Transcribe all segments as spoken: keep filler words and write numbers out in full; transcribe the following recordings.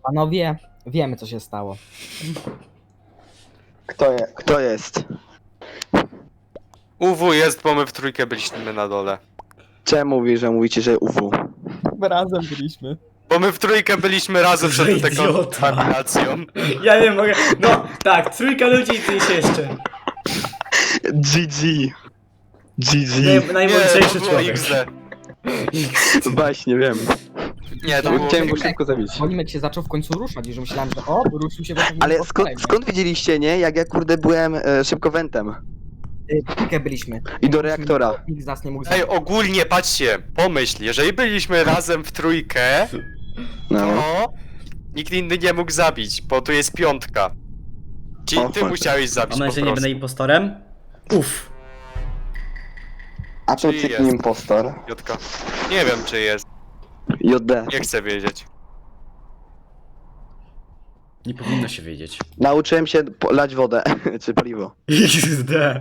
Panowie, wiemy co się stało. Kto, je, kto jest? U W jest, bo my w trójkę byliśmy na dole. Czemu mówi, że mówicie, że U W? Razem byliśmy. Bo my w trójkę byliśmy razem Że przed taką idiota. kontaminacją. Ja nie mogę. No, tak, trójka ludzi i ty się jeszcze. G G. G Nie, G. najmądrzejszy to było człowiek. X D. Właśnie, wiem. Nie, to było Chciałem go X D. szybko zabić. Polimek się zaczął w końcu ruszać i że myślałem, że o, ruszył się właśnie. Ale skąd, skąd widzieliście, nie? Jak ja kurde byłem e, szybko wentem. Trójkę byliśmy. I do reaktora. Nikt z nas nie mógł Ej, zabić. ogólnie patrzcie, pomyśl, jeżeli byliśmy razem w trójkę, No. to nikt inny nie mógł zabić, bo tu jest piątka. Czyli O, ty chodź. musiałeś zabić Mam po nadzieję, że nie prostu. będę impostorem. Uff. A to Czy ty jest? impostor. Jotka. Nie wiem czy jest, J D. nie chcę wiedzieć. Nie powinno się wiedzieć. Nauczyłem się po- lać wodę, czy paliwo. X D.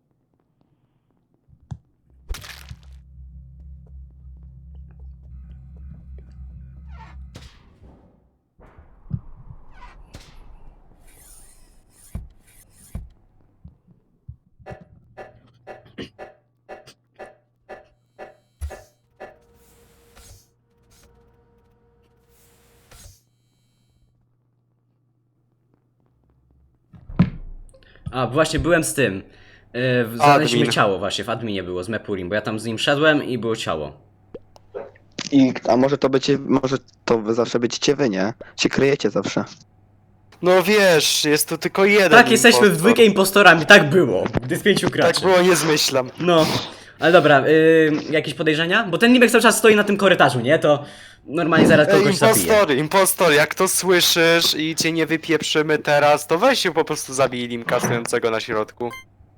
A, właśnie byłem z tym. Yy, znaleźliśmy Admin. ciało właśnie, w adminie było z Mepurim, bo ja tam z nim szedłem i było ciało. I, a może to będzie, może to wy zawsze będziecie wy, nie? Się kryjecie zawsze. No wiesz, jest tu tylko jeden Tak, jesteśmy w impostor. dwójkę impostorami, tak było. Gdy z pięciu graczy. Tak było, nie zmyślam. No. Ale dobra, yy, jakieś podejrzenia? Bo ten Nibek cały czas stoi na tym korytarzu, nie? To normalnie zaraz Ej, kogoś zabije. impostor, impostor, jak to słyszysz i cię nie wypieprzymy teraz, to weź się po prostu zabij Limka stojącego na środku.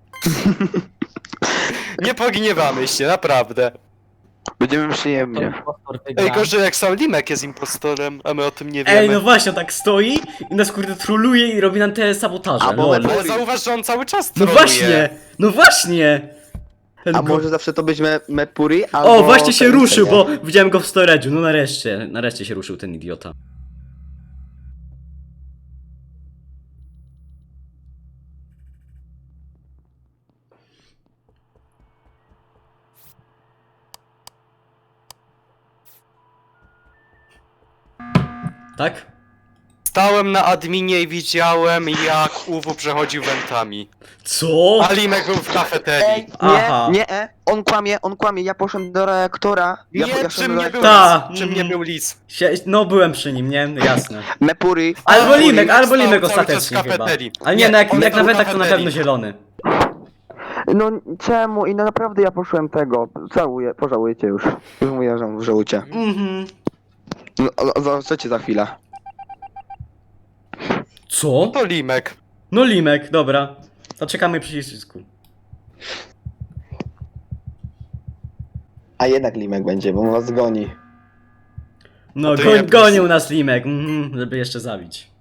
Nie pogniewamy się, naprawdę. Będziemy przyjemnie. Impostor wygra. Ej, gorzej jak sam Limek jest impostorem, a my o tym nie wiemy. Ej, no właśnie, on tak stoi i nas kurde troluje i robi nam te sabotaże. A bo lol. Mepurim- Ale zauważ, że on cały czas No troluje. właśnie! No właśnie! Ten A go- może zawsze to być me, Mepuri, albo... O, właśnie się ten, ruszył, nie? bo widziałem go w storage'u. No nareszcie, nareszcie się ruszył ten idiota. Tak? Stałem na adminie i widziałem, jak U W przechodził wentami. Co? A Limek był w kafeterii. Ej, nie, Aha. nie, e, on kłamie, on kłamie, ja poszedłem do reaktora. Ja, Nie, ja przy szedłem do mnie był reaktora. Ta, lis, przy mnie mm. był lis. Sie no byłem przy nim, nie? Jasne. Mepuri. Albo Mepuri. Limek, albo stał Limek cały czas w ostatecznie chyba. kafeterii. Ale nie, Nie, no jak, on jak na stał w wentach to na kafeterii. pewno zielony. No czemu? I no naprawdę ja poszłem tego. Żałuję, pożałujecie już. Już mówię, że żałujcie. Mhm. No, o- zobaczycie za chwilę. Co? To Limek. No Limek, dobra. To czekamy przycisku. A jednak Limek będzie, bo was goni. No, to goń, ja- gonił nas Limek, mhm, żeby jeszcze zabić.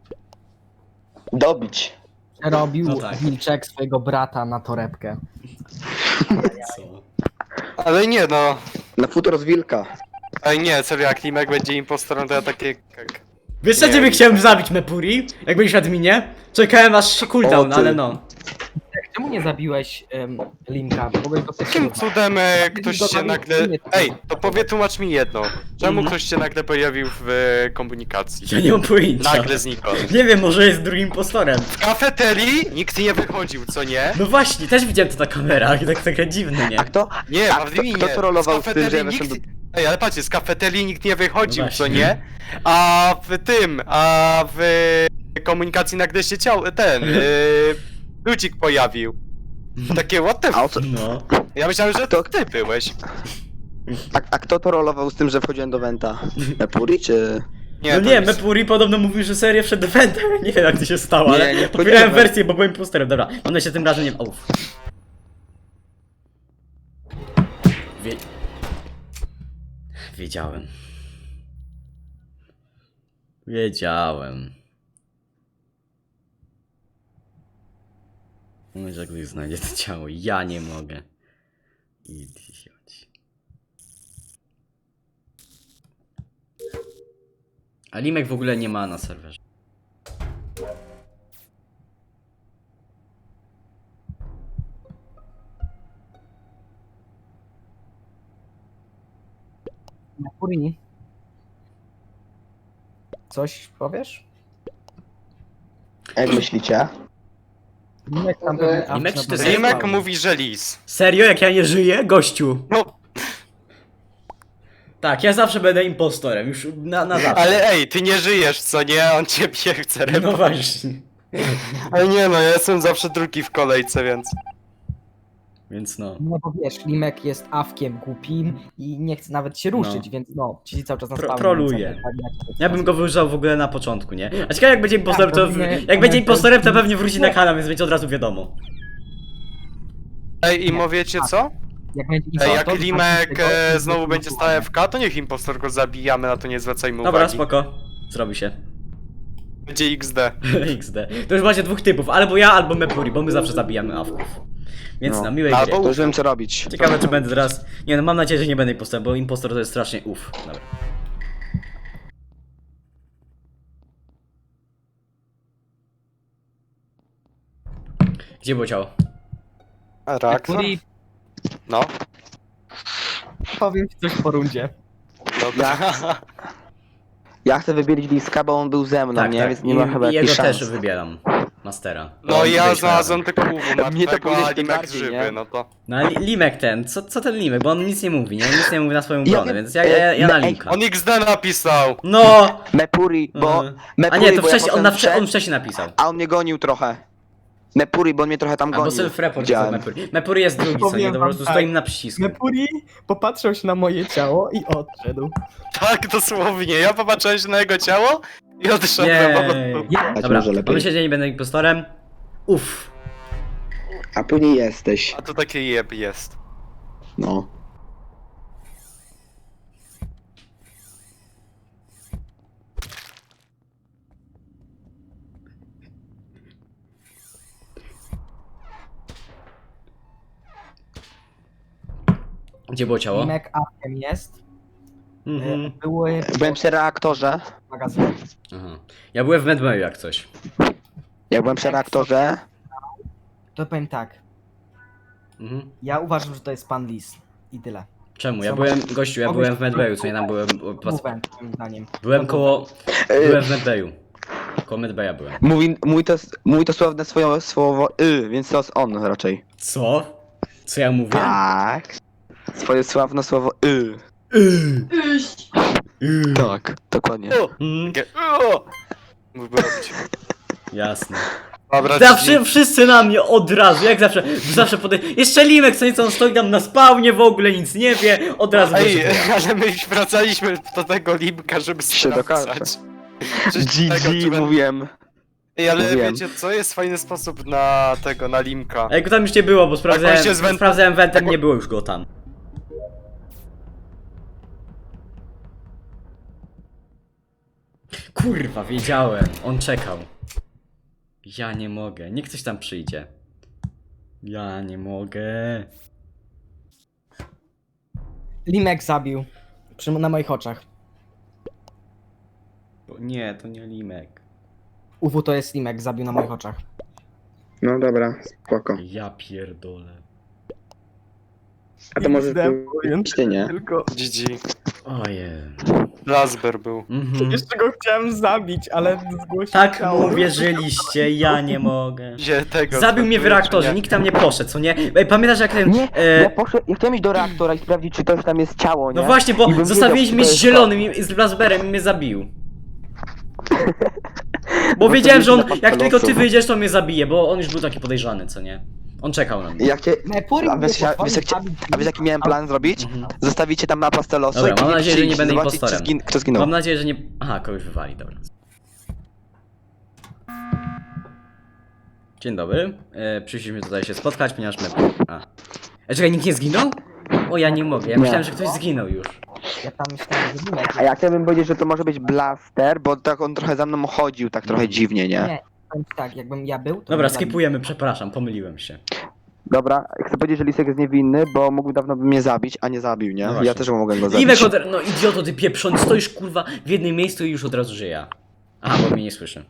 Dobić. Robił No tak. Wilczek swojego brata na torebkę. Co? Ale nie no. Na futro z wilka. Ej nie, serio, jak Limek będzie impostorem, to ja takie... jak- Wiesz co Nie, ciebie nie. chciałem zabić, Mepuri? Jak byłeś w adminie? Czekałem aż się cooldown, O, ty. ale no. Czemu nie zabiłeś um, Linka? Mogłeś go Jakim też cudem e, ktoś Go się tam nagle... nie- Ej, to powie, tłumacz mi jedno. Czemu Mhm. ktoś się nagle pojawił w e, komunikacji? Ja nie mam pojęcia. Nagle znikąd. Nie wiem, może jest drugim impostorem. W kafeterii nikt nie wychodził, co nie? No właśnie, też widziałem to na kamerach i tak trochę dziwne, nie? A kto? Nie, A w kto, adminie. kto trollował Z z tym, że ja kafeterii weszłem do... nikt... Ej, ale patrzcie, z kafeterii nikt nie wychodził, No co właśnie. nie? A w tym, a w komunikacji nagle się ciał, ten, yy, ludzik pojawił. Takie what the A, o f... co... No. Ja myślałem, że to kto- ty byłeś. a, a kto to rolował z tym, że wchodziłem do Wenta? Mepuri czy... Nie, No to nie, jest- Mepuri podobno mówił, że serię przed eventem. Nie wiem jak to się stało, Nie, ale nie popierałem wchodziłem. wersję, bo byłem imposterem. Dobra, mam nadzieję, że tym razem nie... Uff. Wie... Wiedziałem. Wiedziałem. Może jak ktoś znajdzie to ciało, ja nie mogę. Idioci. A Limek w ogóle nie ma na serwerze. Mepuri. Coś powiesz? Jak myślicie? Limek tam pewnie... a, Limek, czy to jest dobra. Limek mówi, że lis. Serio? Jak ja nie żyję? Gościu. No, Tak, ja zawsze będę impostorem, już na, na zawsze. ale ej, ty nie żyjesz, co nie? On ciebie chce No repować. właśnie. Ale nie no, ja jestem zawsze drugi w kolejce, więc... Więc no. No bo wiesz, Limek jest awkiem głupim i nie chce nawet się ruszyć, więc no, siedzi cały czas na Pro- spawnie. troluje. więc tak jak- Ja bym go wyużał w ogóle na początku, nie? A ciekawe jak będzie impostorem, to... robimy- Jak będzie impostorem, to pewnie wróci na Nie. kanał, więc będzie od razu wiadomo. Ej, i wiecie co? Jak, będzie Ej, impostor, jak to Limek tego- e, znowu będzie stał F K, to niech impostor go zabijamy, na to nie zwracajmy Dobra, uwagi. spoko. Zrobi się. Będzie X D. X D. To już macie dwóch typów, albo ja, albo Mepuri, bo my zawsze zabijamy awków. Więc No. na miłej Albo- gry. To już wiem co robić. Ciekawe czy będę teraz... Nie no, mam nadzieję, że nie będę impostorem, bo impostor to jest strasznie uff. Dobra. Gdzie było ciało? Reaktor? Mepuri, No, powiem ci coś po rundzie. dobra. Ja chcę wybielić Liska, bo on był ze mną, Tak, nie? tak. Więc nie ma I, chyba i jego jakichś szans. też wybieram. Mastera. No Bo i ja byliśmy znalazłem razem. tylko uwu Mnie to martwego, powiedzieć a tym Limek bardziej, żywy, nie? no to... No ale Limek ten, co, co ten Limek, bo on nic nie mówi, nie? On nic nie mówi na swoją Ja obronę, wiem, więc ja, ja, ja na ej, Limka. On X D napisał! No! Mepuri, bo... Mhm. Mepuri, A nie, to bo ja wcześniej, on, potem na wcze, wszedł, on wcześniej napisał. A on mnie gonił trochę. Mepuri, bo on mnie trochę tam Albo gonił. self-report jest Widziałem. Mepuri. Mepuri jest drugi, co nie? Powiem To po wam prostu tak. stoimy na przycisku. Mepuri popatrzył się na moje ciało i odszedł. Tak, dosłownie. Ja popatrzyłem się na jego ciało i odszedłem po Jej. prostu. Ja, Dać Dobra, może lepiej. myślę, że nie będę impostorem. Uff. A później jesteś. A to takie jeb jest. No. Gdzie było ciało? Limek awkiem jest. Mhm. E, Były Byłem przy reaktorze. w magazynie. Aha. Ja byłem w Medmayu jak coś. Jak byłem przy reaktorze. To powiem tak. Mhm. Ja uważam, że to jest pan Lis. I tyle. Czemu? Ja Co byłem, masz- gościu, ja mogłeś- byłem w Medbayu, co nie tam byłem... Pas... Mówę, moim zdaniem. Byłem koło... Y, Byłem w Medbayu. Koło Medbaya byłem. Mówi, mówi, to, mówi to słowne swoje słowo y, więc to jest on raczej. Co? Co ja mówię? Tak. Swoje sławne słowo y. Yy. Yy. Tak, dokładnie. Mm, Takie, "O!" Mógłby robić. jasne. Dobra, Zawsze G G. wszyscy na mnie od razu, jak zawsze, zawsze podej... Jeszcze Limek, co nieco on stoi tam na spawnie, w ogóle nic nie wie, od razu Ej, gościu. ale my wracaliśmy do tego Limka, żeby Się dokaże. sprawdzać. Czy tego, G G czy ben- mówiłem. Ej, ale mówiłem. wiecie co, jest fajny sposób na tego, na Limka. A jak go tam już nie było, bo sprawdzałem, Tak, on się zwę- sprawdzałem wentem, tak, nie było już go tam. Kurwa, wiedziałem, on czekał. Ja nie mogę, niech ktoś tam przyjdzie. Ja nie mogę. Limek zabił. Przy, na moich oczach. Bo nie, to nie Limek. U W to jest Limek, zabił na moich oczach. No dobra, spoko. Ja pierdolę. A to może Powiem ty nie? tylko... G G. Ojej. Lasber był. Mhm. Jeszcze go chciałem zabić, ale zgłosił Tak ciało. mu uwierzyliście, ja nie mogę. Gdzie tego... Zabił mnie w reaktorze, nie? nikt tam nie poszedł, co nie? Ej, pamiętasz jak ten... Nie, e, ja poszedłem, ja chciałem iść do reaktora i sprawdzić, czy też tam jest ciało, nie? No właśnie, bo I bym zostawiliśmy wiedział, z czy to jest zielonym i z Blazberem i mnie zabił. Bo No wiedziałem, to że on, wiecie, na jak tylko ty losu. wyjdziesz, to mnie zabije, bo on już był taki podejrzany, co nie? On czekał na to. mnie. Jak cię... Mepuri A wiesz, mnie a wiesz, jak cię- zabić. a wiesz jaki miałem plan zrobić? Mhm. Zostawicie tam na pastę losu Dobra, i mam później nadzieję, że nie przyjść, będę zobaczyć, impostorem. czy zgin- kto zginął. Mam nadzieję, że nie... Aha, kogoś wywali, dobra. Dzień dobry. E, przyszliśmy tutaj się spotkać, ponieważ my... A. E, czekaj, nikt nie zginął? O, ja nie mogę, ja Nie. myślałem, że ktoś zginął już. Ja tam myślałem, że Limek. A ja chciałbym powiedzieć, że to może być Blaster, bo tak on trochę za mną chodził, tak trochę dziwnie, nie? Nie, powiem ci tak, jakbym ja był, to Dobra, bym zabił. skipujemy, przepraszam, pomyliłem się. Dobra, chcę powiedzieć, że Lisek jest niewinny, bo mógł dawno by mnie zabić, a nie zabił, nie? No właśnie. Ja też mogłem go zabić. Limek od... No idioto, ty pieprzony, stoisz kurwa w jednym miejscu i już od razu żyje. Aha, bo mnie nie słyszy.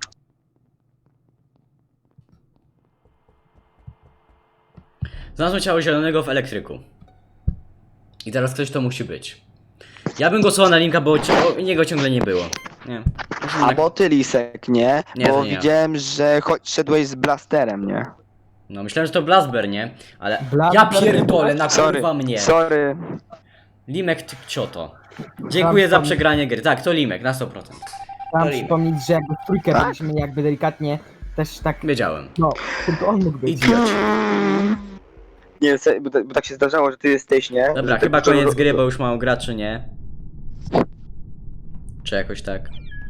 Znalazłem ciało zielonego w elektryku. I teraz ktoś to musi być. Ja bym głosował na Linka, bo ci... o, niego ciągle nie było. Nie. Musimy A tak- bo ty, Lisek, nie? Nie, bo to nie ja. widziałem, że cho- szedłeś z blasterem, nie? No myślałem, że to Blasber, nie? Ale... Blasber- Ja pierdolę, na Sorry, kurwa mnie. sorry. Limek, ty cioto. Dziękuję za przegranie gry. Tak, to Limek, na sto procent. Chciałem Limek. przypomnieć, że jakby w trójkę Tak? byliśmy jakby delikatnie też tak, Wiedziałem. no, tylko on mógł być. Idioci. Nie, se- bo, ta- bo tak się zdarzało, że ty jesteś, nie? Dobra, Że ty- chyba to- koniec gry, bo już mało graczy, nie? Czy jakoś tak?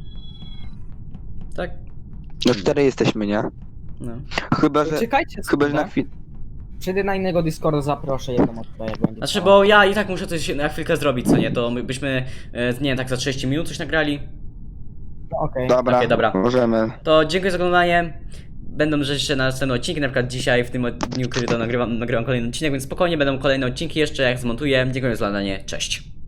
Tak? No cztery jesteśmy, nie? No. Chyba, że... Czekajcie Chyba, że sobie. na chwilę... Przejdę na innego Discorda, zaproszę jedną osobę, jak będzie. Znaczy, chciała. bo ja i tak muszę coś na chwilkę zrobić, co nie? To my byśmy, e, nie wiem, tak za trzydzieści minut coś nagrali. No, okej. Dobra, Okej, dobra. możemy. To dziękuję za oglądanie. Będą jeszcze następne odcinki, na przykład dzisiaj, w tym dniu, kiedy to nagrywam, nagrywam kolejny odcinek, więc spokojnie będą kolejne odcinki jeszcze, jak zmontuję. Dziękuję za oglądanie, cześć.